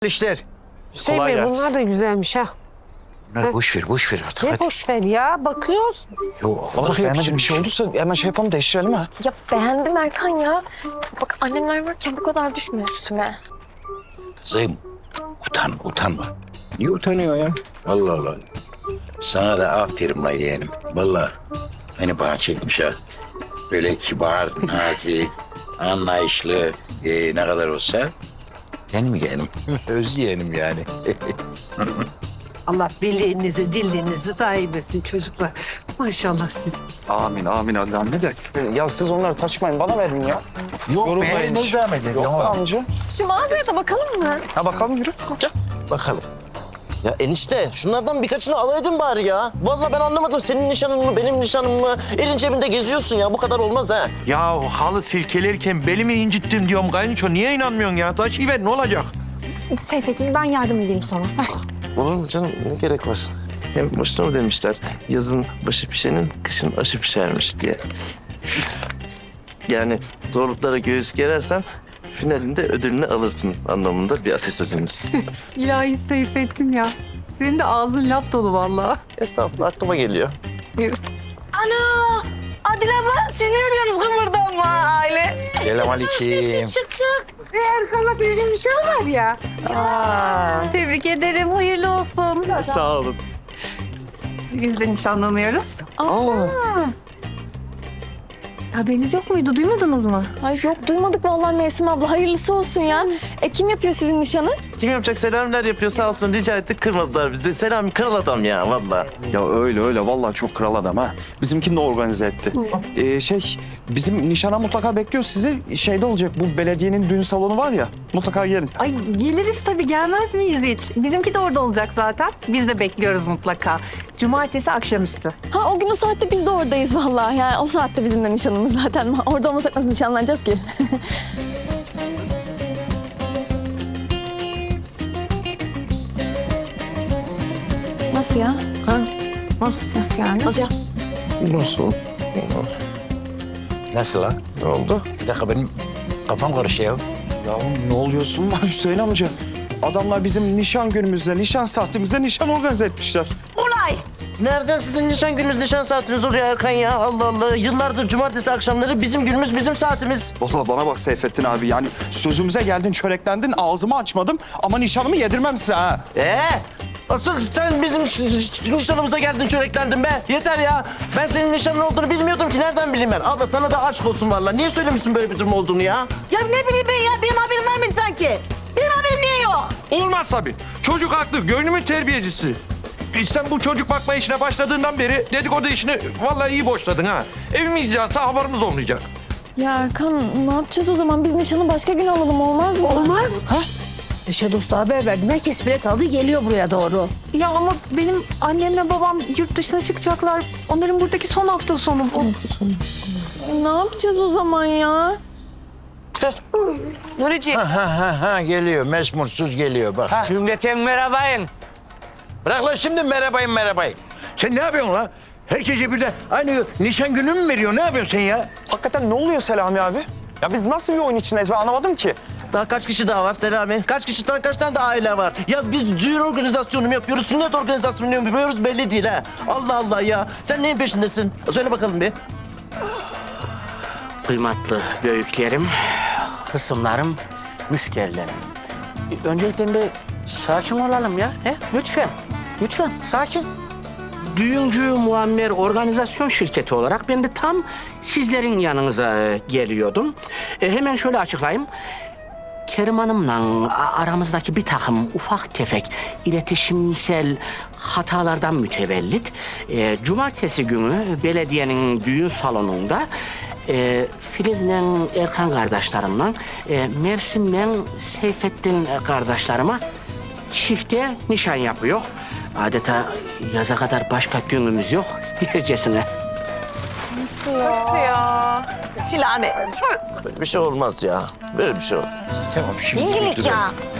İşler. Şey Kolay mi? gelsin. Bunlar da güzelmiş ha. Bunlar boş ver artık. Ne Hadi. boş ver ya, bakıyoruz. Yok, Bak bakayım beğenmediğin bir şey olduysa hemen şey yapalım, değiştirelim ha. Ya beğendim Erkan ya. Bak annemler varken bu kadar düşme üstüme. Kızım, utanma. Niye utanıyor ya? Allah Allah. Sana da aferin la yeğenim. Vallahi beni bana çekmiş ha. Böyle kibar, nazik, anlayışlı, ne kadar olsa benim yeğenim. Öz yeğenim yani. Allah birliğinizi, dirliğinizi daim etsin çocuklar. Maşallah siz. Amin anne de. Ya siz onları taşımayın, bana verin ya. Yok Yorulmayın hiç. zahmet edin. Yok be amca. Şu mağazaya da bakalım mı? Ha bakalım yürü. Gel. Bakalım. Ya enişte şunlardan birkaçını alaydın bari ya. Vallahi ben anlamadım, senin nişanın mı benim nişanım mı? Elin cebinde geziyorsun ya, bu kadar olmaz ha. Ya halı silkelerken belimi incittim diyorum kayınço. Niye inanmıyorsun ya? Taşıyıver ne olacak? Seyfet'im ben yardım edeyim sana. Ver. Olur mu canım, ne gerek var? Hem boşuna mı demişler? Yazın başı pişenin, kışın aşı pişermiş diye. Yani zorluklara göğüs gerersen finalinde ödülünü alırsın anlamında bir atasözümüz. İlahi Seyfettin ya. Senin de ağzın laf dolu vallahi. Estağfurullah, aklıma geliyor. Adile abla, siz ne arıyorsunuz kıvırdanma aile? Selamünaleyküm. Çıktık. Erkan'la bizim nişan var ya. Tebrik ederim. Hayırlı olsun. Sağ olun. Biz de nişanlanıyoruz. Aa. Haberiniz yok muydu? Duymadınız mı? Ay yok duymadık vallahi Mevsim abla. Hayırlısı olsun ya. Kim yapıyor sizin nişanı? Kim yapacak? Selamlar yapıyor sağ olsun. Rica ettik kırmadılar bizi. Selami kral adam ya vallahi. Ya öyle vallahi çok kral adam ha. Bizimkini de organize etti. Bizim nişana mutlaka bekliyoruz sizi. Şeyde olacak, bu belediyenin düğün salonu var ya. Mutlaka gelin. Ay geliriz tabii. Gelmez miyiz hiç? Bizimki de orada olacak zaten. Biz de bekliyoruz mutlaka. Cumartesi akşamüstü. Ha o gün o saatte biz de oradayız vallahi. Yani o saatte bizim de nişanımız zaten. Orada olmasak nasıl nişanlanacağız ki? Nasıl ya? Ha? Nasıl yani? Nasıl ya? Nasıl? Nasıl lan? Ne oldu? Bir dakika benim kafam karıştı ya. Ya ne oluyorsun lan Hüseyin amca? Adamlar bizim nişan günümüzde, nişan saatimizde nişan organize etmişler. Nereden sizin nişan gününüz, nişan saatiniz oluyor Erkan ya? Allah Allah, yıllardır cumartesi akşamları bizim günümüz, bizim saatimiz. Vallahi bana bak Seyfettin abi, yani sözümüze geldin, çöreklendin, ağzımı açmadım ama nişanımı yedirmem size ha. Asıl sen bizim nişanımıza geldin, çöreklendin be. Yeter ya. Ben senin nişanın olduğunu bilmiyordum ki. Nereden bileyim ben? Abla sana da aşk olsun vallahi. Niye söylemişsin böyle bir durum olduğunu ya? Ya ne bileyim ben ya, benim haberim var mıydı sanki? Benim haberim niye yok? Olmaz tabii. Çocuk haklı. Gönlümün terbiyecisi. Sen bu çocuk bakma işine başladığından beri dedikodu işini vallahi iyi boşladın ha. Evimiz yansa haberimiz olmayacak. Ya Erkan ne yapacağız o zaman? Biz nişanı başka gün alalım olmaz mı? Olmaz. Eşe dosta haber verdim. Herkes bilet aldı, geliyor buraya doğru. Ya ama benim annemle babam yurt dışına çıkacaklar. Onların buradaki son hafta sonu. Ne yapacağız o zaman ya? Nurici. Ha geliyor. Mesmursuz geliyor bak. Cümleten merhabayın. Bırak lan şimdi merhabayın. Sen ne yapıyorsun la? Herkese birden aynı nişan günü mü veriyor? Ne yapıyorsun sen ya? Hakikaten ne oluyor Selami abi? Ya biz nasıl bir oyun içindeyiz, ben anlamadım ki. Daha kaç kişi daha var Selami? Kaç tane de aile var? Ya biz düğün organizasyonu mu yapıyoruz, sünnet organizasyonu mu yapıyoruz belli değil ha. Allah Allah ya. Sen neyin peşindesin? Söyle bakalım bir. Kıymetli büyüklerim, hısımlarım, müşterilerim. Öncelikle bir sakin olalım ya. Lütfen sakin. Düğüncü Muammer organizasyon şirketi olarak ben de tam sizlerin yanınıza geliyordum. Hemen şöyle açıklayayım. Kerim Hanım'la aramızdaki bir takım ufak tefek iletişimsel hatalardan mütevellit cumartesi günü belediyenin düğün salonunda Filiz'le Erkan kardeşlerimle Mevsim'le Seyfettin kardeşlerime çifte nişan yapıyor. Adeta yaza kadar başka günümüz yok dercesine. Nasıl ya? Çilame. Böyle bir şey olmaz ya. Böyle bir şey olmaz. Tamam şimdi. İngilik ya.